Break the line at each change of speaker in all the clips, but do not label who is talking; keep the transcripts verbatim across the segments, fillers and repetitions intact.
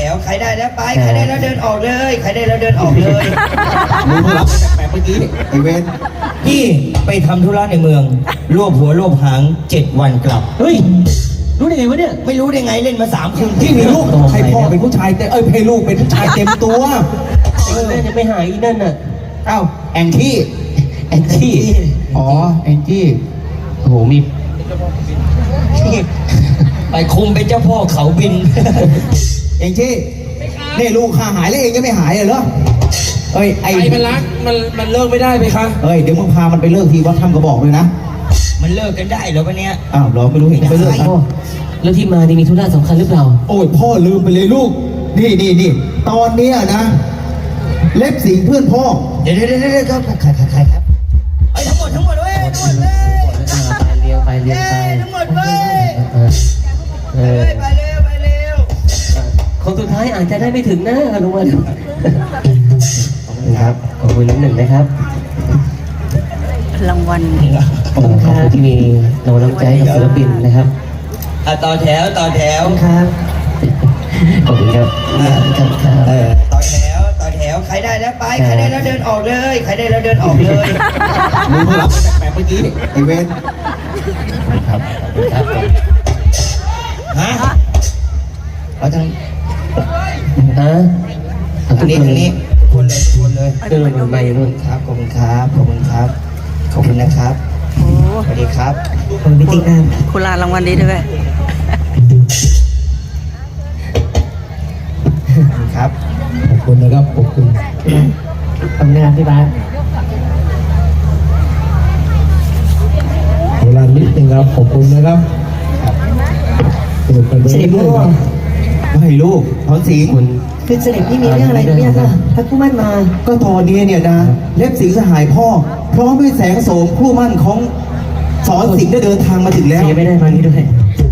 วใครได้แล้วไปใครได้แล้วเดินออกเลยใครได้แล้วเดินออกเลย
มึงรับแปลกๆเมื่อกี้ไอเวน
พี่ไปทำธุระในเมืองรวบหัวรวบหางเจ็ดวันกลับ
เฮ้ยรู้ได้ไงวะเนี่ย
ไม่รู้ได้ไงเล่นมาสามคืน
ที่มีลูกให้พ่อเป็นผู้ชายแต่เอ้ยให้ลูกเป็นผู้ชายเต็มตัว
ไอ้นั่นยังไม่หายอีนั่นน่ะ
เอ้าแองจี้
แอนจี้
อ๋อแองจี้
โอ้โหมี
ไปคุมเป็นเจ้าพ่อเขาบิน
แองจี้นี่ลูกข้าหายแล้วเองยังไม่หายเหรอเอ้ยไอ้
มันรักมันมันเลิกไม่ได้ไหมคะ
เอ้ยเดี๋ยวมึงพามันไปเลิกทีวัดถ้ำกระบอกเลยนะ
มันเลิกกันได้เหรอวะเนี้ย
อ้าวเราไม่รู้เห็นไปเลิกกัน
แล้วที่มานี่มีธุระสำคัญหรือเปล่า
โอ้ยพ่อลืมไปเลยลูกนี่นี่นี่ตอนเนี้ยนะเล็บสิงเพื่อนพ่อ
เดี๋ยวเดี๋ยวเดี๋ยวเดี๋ยวครับใครใครใครครับไอ้ทั้งหมดทั้งหมดเว้ยทั้งหมดเลย
ไปเลี้ยวไปเลี้ยวไป
ทั้งหมดเว้ยไปไปเร็วไปเร็ว
คนสุดท้ายอาจจะได้ไม่ถึงนะลุงวันขอบคุณครับขอบคุณน้ำหนึ่งนะครับ
รางวัล
ขอบคุณครับที่มีเราน้ำใจกับศิลปินนะครับ
อ่ะต่อแถวต่อแถว
ครับขอบคุณครับครับ
เออต่อแถวต่อแถวใครได้แล้วไปใครได้แล้วเดินออกเลยใครได้แล้วเดินออกเลย
มึงรับแปลกๆเมื่อกี้ไอเวน
ครับครับ
ฮะเอาทาง
ฮะ
ทางนี้ทางนี้คนเลยคนเลย
เดินลงไปนู่น
ครับขอบคุณครับขอบคุณครับขอบคุณนะครับ
โอ้
สวัสดีครับ
คุณพิธีกรคุณลารางวัลดีด้วย
ครับ
ขอบคุณนะครับขอบคุณ
ทำงานที่บ้าน
เวลานิดนึงครับขอบคุณนะครับเปิดประเด็นด้วยไม่ลูกทอนสิง
คุณ
คือเสด็จพี่มีเรื่องอะไรเนี่ยค่ะพระคู่มั่นมา
ก็ตอนนี้เนี่ยนะเล็บสิงสหายพ่อพร้อมด้วยแสงโสมคู่มั่นของสอนสิงได้เดินทางมาถึงแล้ว
ไม่ได้มานี้ด้วย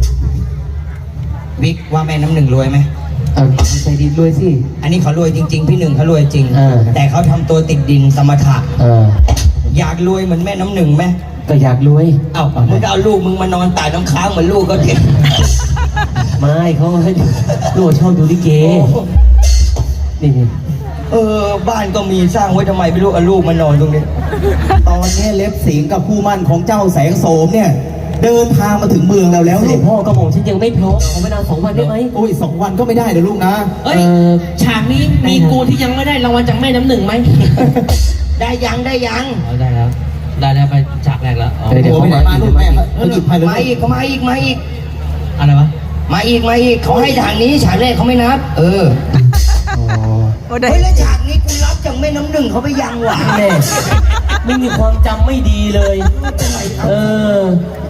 บิ๊กว่าแม่น้ำหนึ่งรวยไหม
เอาใจดีรวยสิ
อันนี้เขารวยจริงๆพี่หนึ่งเขารวยจริงแต่เขาทำตัวติดดินสมถะอยากรวยเหมือนแม่น้ำหนึ่งไหม
ก็อยากรวย
เอ้ามึงก็เอาลูกมึงมานอนตายน้ำค้างเหมือนลูกเขาเถอะ
ไม่เขาให้ลูกชอบดูลิเกนี่
เออบ้านก็มีสร้างไว้ทำไมไม่รู้เอาลูกมานอนตรงนี้
ตอนนี้เล็บสิงกับคู่มั่นของเจ้าแสงโสมเนี่ยเดินทางมาถึงเมืองเราแล้ว
เนี่ยพ่อกระหม่อมฉันยังไม่พร้อมขอเวลาสองวันได้ไหม
โอ้ยสองวันก็ไม่ได้เดี๋ยวลูกนะ
เอ้ยฉากนี้มีกูที่ยังไม่ได้รางวัลจากแม่น้ำหนึ่งไหม
ได้ยังได้ยัง
ได้แล้วได้แล้วไปฉากแรกแล้ว
เดี๋ยวเขามาลูกแม่เขาหยิบให้เลย
มาอีกเขามาอีกมาอีก
อะไรวะ
มาอีกมาอีกเขาให้ทางนี้ฉากแรกเขาไม่นับเออเฮ้ยแล้วฉากนี้กูรับจากแม่น้ำหนึ่งเขาไปยังหวะ
แม่ไม่มีความจำไม่ดีเลยเออ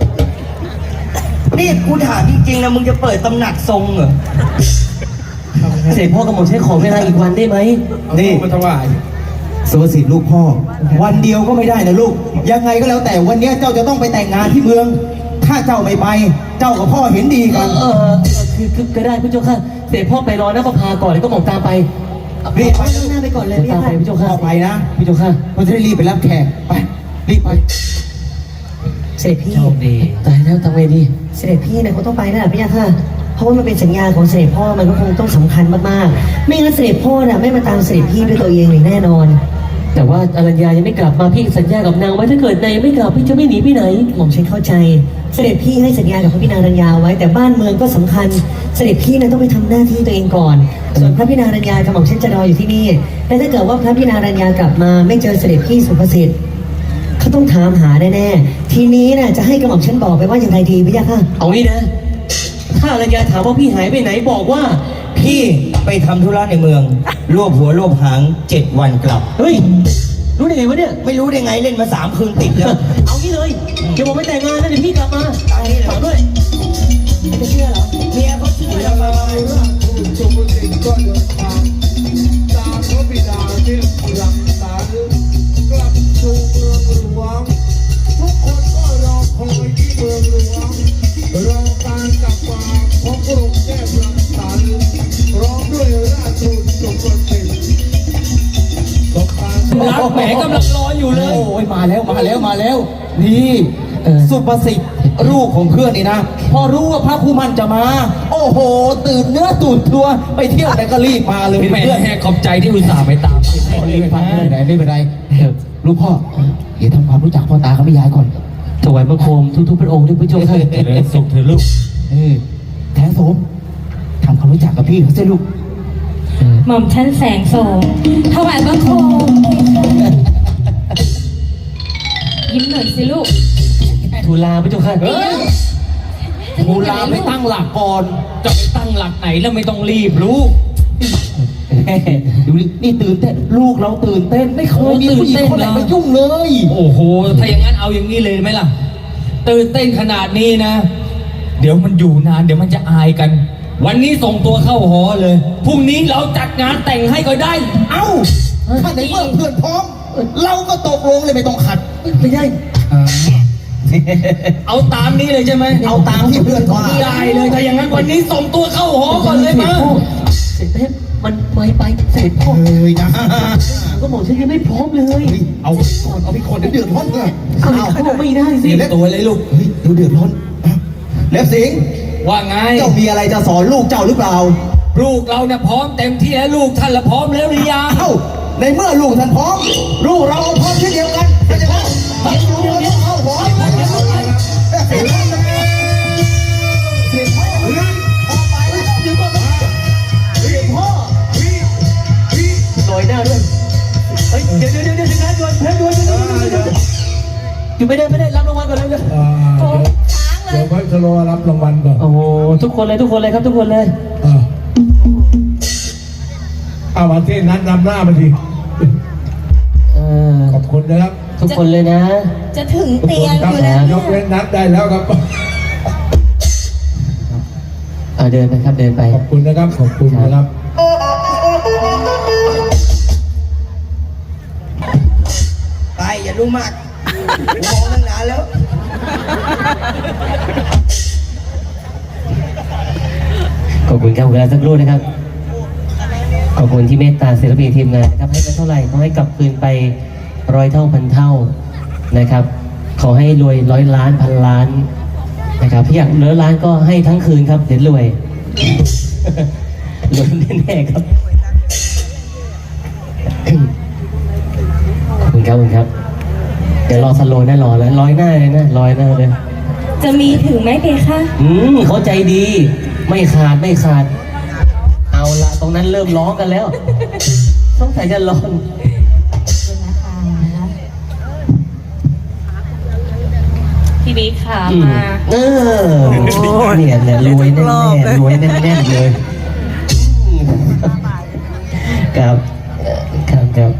นี่กูถามจริงๆนะมึงจะเปิดตำหนักทรงเหรอ
เสด็จพ่อกระหม่อมใช้ขอเวลาอีกวันได้ไหม
นี่
มาถวาย
สุภสิทธิ์ลูกพ่อวันเดียวก็ไม่ได้นะลูกยังไงก็แล้วแต่วันนี้เจ้าจะต้องไปแต่งงานที่เมืองถ้าเจ้าไม่ไปเจ้ากับพ่อเห็นดีกัน
เออคือคือก็ได้พี่เจ้าค่ะเสด็จพ่อไปรอหน้าประภาก่อนแล้วก็หม่อมตามไป
รีบไป
หน้าไปก่อนเลย
ตามไปพี่เจ้าค่ะ
ไปนะ
พี่เจ้าค่ะ
เราจะได้รีบไปรับแขกไปรีบไป
เสด็จพี่
โชคดีตายแล้วทำไงดี
เสด็จพี่เนี่ยเขาต้องไปนะพี่ยาค่ะเพราะว่ามันเป็นสัญญาของเสด็จพ่อมันก็คงต้องสำคัญมากๆไม่งั้นเสด็จพ่อน่ะไม่มาตามเสด็จพี่ด้วยตัวเองเลยแน่นอน
แต่ว่าอรัญญายังไม่กลับมาพี่สัญญากับนางไว้ถ้าเกิดนายยังไม่กลับพี่จะไม่หนีไปไหน
หม่อมฉันเข้าใจเสด็จพี่ให้สัญญากับพระพี่นางอรัญญาไว้แต่บ้านเมืองก็สำคัญเสด็จพี่น่ะต้องไปทำหน้าที่ตัวเองก่อนส่วนพระพี่นางอรัญญากับหม่อมฉันจะรออยู่ที่นี่แต่ถ้าเกิดว่าพระพี่นางอรัญญากลับมาไม่เจอเสด็จพี่สุภสิทธิ์เขาต้องถามหาแน่ๆทีนี้น่ะจะให้กระหม่อมฉันบอกไปว่าอย่างไรดีพี่ยาค่ะ
เอางี้นะถ้าอรัญญาถามว่าพี่หายไปไหนบอกว่า
พี่ไปทำธุระในเมืองรวบหัวรวบหางเจ็ดวันกลับ
เฮ้ยรู้ได้ไงวะเนี่ย
ไม่รู้ได้ไงเล่นมาสามคืนติดแล้ว
เอางี้เลยเดี๋ยวผมไปแต่งงานนะเดี๋ยวพี่กลับมาฝากด้วย
ไม่จะเชื่อเหรอ
เมียเขาเชื่อแล้วมา
สุภสิทธิ์ก็เดินทางตามพระบิดาที่รักษากลับสู่เมืองหลวงทุกคนก็รอคอยที่เมืองหลวงรอการกลับมาของกรุงเทพรังสรรค์พร้อมด้วยราชทูตสุภสิทธิ์
รักแหมกำลังรออยู่เลย
โอ้ยมาแล้วมาแล้วมาแล้วนี่
เออ
สุประสิทธิ์ลูกของเพื่อนนี่นะ พอรู้ว่าพระผู้มันจะมา โอ้โห ตื่นเนื้อตื่นตัวไปเที่ยวไหนก็รีบมาเลย
แม่
เพื่อน
ขอบใจที่อุตส่าห์ไปตาม
รีบมาไม่เป็นไรไม่เป็นไรเออลูกพ่อเดี๋ยวทำความรู้จักพ่อตากับแม่ยายก่อน
ถวายบังคมทุกๆพระองค์ด้วยพระเจ้าค่ะ
เจริญสุขเถอะลูก
เออแท้โสมทำความรู้จักกับพี่เขาสิลูก
หม่อมชั้นแสงโสมถวายบังคมยิ้มหน่อยสิลูก
ทูลาพระเจ้าค่ะ
เฮ้ยมูลาไปตั้งหลักก่อน จะไปตั้งหลักไหนแล้วไม่ต้องรีบลูก
แม่ดูดินี่ตื่นเต้นลูกเราตื่นเต้นไม่เคยมีผู้หญิงคนไหนมายุ่งเลย
โอ้โห ถ้าอย่างนั้นเอาอย่างนี้เลยไหมล่ะ ตื่นเต้นขนาดนี้นะ เดี๋ยวมันอยู่นานเดี๋ยวมันจะอายกัน วันนี้ส่งตัวเข้าหอเลย พรุ่งนี้เราจัดงานแต่งให้ก็ได้
เอ้าถ้าในเมื่อเพื่อนพร้อม เราก็ตกลงเลยไม่ต้องขัด
ไม่ได้
เอาตามนี้เลยใช่ไหม
เอาตามที่เพื่อนว่า
ได้เลยถ้าอย่างนั้นวันนี้ส่งตัวเข้าหอก่อนเลยมา
เสร็จแล้วมันไม่ไปเสร็จพ่อ
เฮ้ยนะ
ก็บอกฉันยังไม่พร้อมเลย
เฮ้ยเอาก่อนเอาไปก่อนเดี๋ยวเดือดร้อนเลย
เอาเข้าไม่ได้สิ
เตรียมตัวเลยลูก
เฮ้ยเดี๋ยวเดือดร้อนเล็บสิงห์
ว่าไง
เจ้ามีอะไรจะสอนลูกเจ้าหรือเปล่า
ลูกเราเนี่ยพร้อมเต็มที่แล้วลูกท่านละพร้อมแล้วหรือยัง
เอ้าในเมื่อลูกท่านพร้อม ลูกเราก็พร้อมเช่นเดียวกันเข้าใจไหมตัดลูกเราต้องเข้าหัวเสียงเสียงพ่อเฮ้ยออกไปแล้วเดี๋ยวก่อนเสียงพ่อ
ลอยหน้าด้วยเฮ้ยเดี๋ยวเดี๋ยวเดี๋ยวเดี๋ยวงานด่วนงานด่วนเดี๋ยวเดี๋ยวเดี๋ยวอยู่ไม่ได้ไม่ได้รับรางวัลก่อนเลยเดี๋ยว
อ่าเดี๋ยวเดี๋ยวพระชโลรับรางวัลก่อน
โอ้โหทุกคนเลยทุกคนเลยครับทุกคนเลย
อ่าเอามาที่นัดนำหน้ามาที
เออ
ขอบคุณนะครับ
ทุกคนเลยนะ
จะถึง
ทุก
เตี
ค
ย
น
ง
ค
อ
รับ
ยู่แล้ว
ยกเว้นนัดได้แล้วครับ
เอาเดินไปครับเดินไป
ขอบคุณนะครับ ขอบคุณนะครับ
ไปอย่ารู้มากมองตั้งนานแล้ว
ขอบคุณครับเวลาสักครู่นะครับ ขอบคุณที่เมตตาศิลปินทีมงานนะครับให้ไปเท่าไหร่ขอให้กลับคืนไปร้อยเท่าพันเท่านะครับ ขอให้รวยร้อยล้านพันล้านนะครับพี่อยากเหลือล้านก็ให้ทั้งคืนครับเดี๋ยวรวย รวยแน่ๆครับ ขอบคุณครับขอบคุณครับ เดี๋ยวรอสโลว์นะรอแล้วร้อยหน้าเลยนะร้อยหน้าเลย
จะมีถึงไหมเพคะ
อืมเขาใจดี ไม่ขาดไม่ขาด เอาละตรงนั้นเริ่มร้องกันแล้วต้องใส่จะร้อน
พี่บิ๊กค่ะ
อืม
มา
เออเนี่ยเนี่ยรวยแน่ๆรวยแน่ๆเลยครับเอ่อครับครับ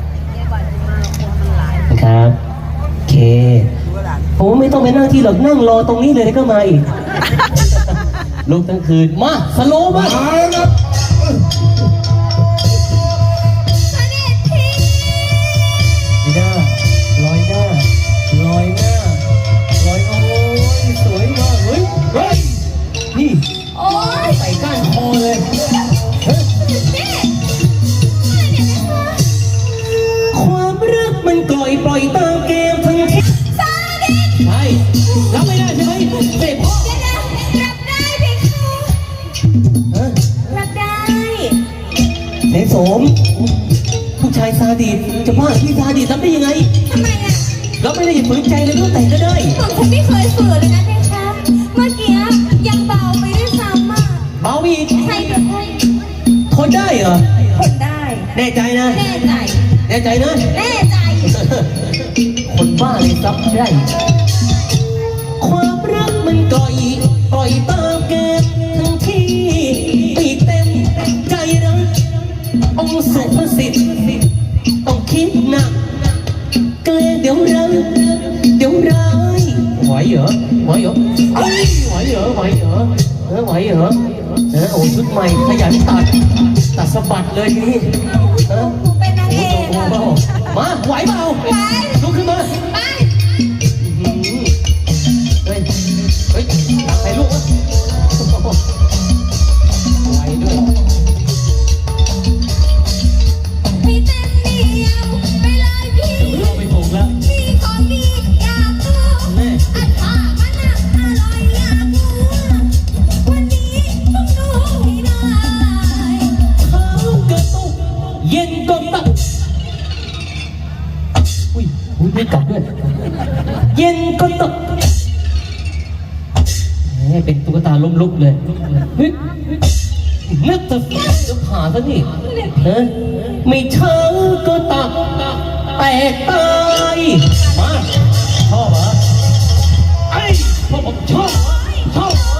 ครับโอเคผมไม่ต้องไปนั่งที่หรอกนั่งรอตรงนี้เลยแล้วก็มาอีกลุกทั้งคืนมาสโลว์มา
มาแล้วครับ
ไม่ได้ลอยหน้าลอยหน้าลอยโอ้ยสวยมากเฮ้ยเฮ้ยนี่
โอ้ย
ใส่ก้านคอเลย ความรักมันกล่อยปล่อยตามเกมทั้งที่ใช่รับไม่ได้ใช่ไหมเสร็จพ่อ
รับได้เพคะ
เออ
รับได้
เสสม ผู้ชายซาดิสจะว่าพี่ซาดิสรับได้ยังไง
ทำไมอ่ะ
รับไม่ได้อย่าฝืนใจเลยก็แต่งก็ได้
ผมฉันไม่เคยฝืนเลยนะเพคะ เมื่อกี้ยังเบาไปด้วยซ้ำอ่ะ
เบาอีก
ใช่เพคะ
ทนได้เหรอ
ทนได้
แน่ใจนะ
แน่ใจ
แน่ใจนะ
แน่ใจ
คนบ้าเลยซับได้ ความรักมันกล่อยปล่อยตามเกมทั้งที่ไม่เต็มใจรักองค์สุภสิทธิ์ต้องคิดหนักเกรงเดี๋ยวรักเดี๋ยวร้ายไหวเหรอไหวเหรอเอ้ยไหวเหรอไหวเหรอเออไหวเหรอเออโอ้ชุดใหม่ขยันตัดตัดสะบัดเลยทีนี้เออ
กูเป็นนางเอกอ่ะ
มาไหวเปล่า
ไหว
ลุกขึ้นมา
ไป
เฮ้ย เฮ้ยตักใส่ลูกวะไหวด้วย
พี่เต้นเดียวไปเลยพี่
เราไปถูกแล้ว
พี่ของดีอยากรู้
แม่
อัดพา
เย็นก็ตกแหมเป็นตุ๊กตาล้มลุกเลยเฮ้ยนึกจะจะผ่าซะนี่เฮ้ยไม่เช้าก็ตักแตกตายมาชอบเหรอไอ้พวกผมชอบเหรอชอบเหรอ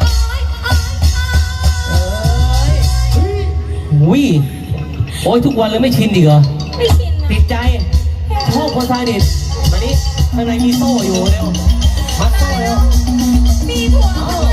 เอ้ยอุ้ยโอ้ยทุกวันเลยไม่ชินอีกเหรอ
ไม่ชิน
ติ
นะ
ดใจชอบคนไทยนี่มานี่ข้างในมีโซ่อยู่เร็วมัดโซ่เร็ว
มีผัว
เอา